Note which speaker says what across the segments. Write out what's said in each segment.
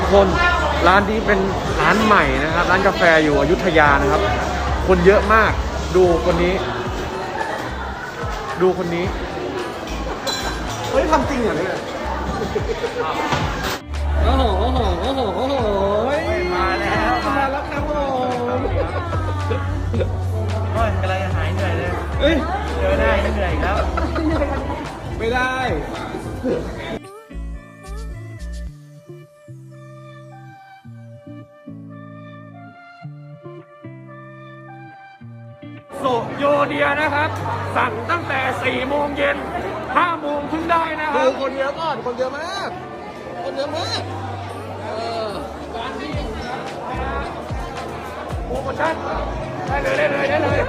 Speaker 1: คนร้านนี้เป็นร้านใหม่นะครับร้านกาแฟอยู่อยุธยานะครับคนเยอะมากดูคนนี้เฮ้ยทำจริงเหรอเนี่ยโอ้โหมาแล้วครับผมก็กำลังจะหายเหนื่อยเลยเจอได้เหนื่อยแล้วไม่ได้โซโยเดียนะครับสั่งตั้งแต่4 โมงเย็น5 โมงเพิ่งได้นะครับดูคนเยอะก่อนคนเยอะมากการที่โปรโมชั่นได้เลย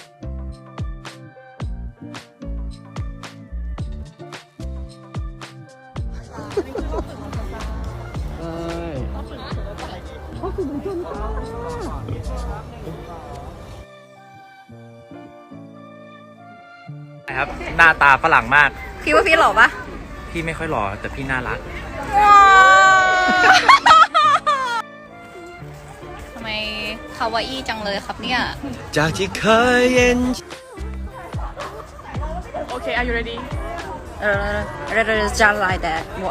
Speaker 2: ครับหน้าตาฝรั่งมาก
Speaker 3: พี่ว่าพี่หล่อปะ
Speaker 2: พี่ไม่ค่อยหล่อแต่พี่น่ารัก
Speaker 3: ทำไมคาวาอี้จังเลยครับเนี่ย
Speaker 2: จากที่เคยเย็น
Speaker 3: โอเค are you ready จะไล่แต่我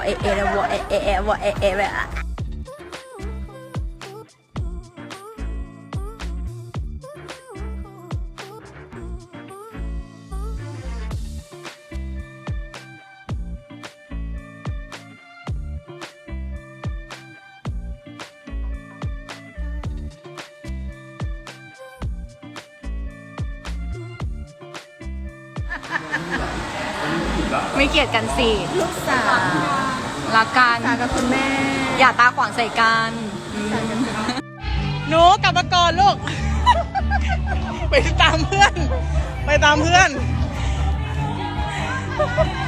Speaker 3: ไม่เกลียดกันสิลูกสาวรักกันกับคุณแม่อย่าตาขวางใส่กันหนูกลับมาก่อนลูก ไปตามเพื่อน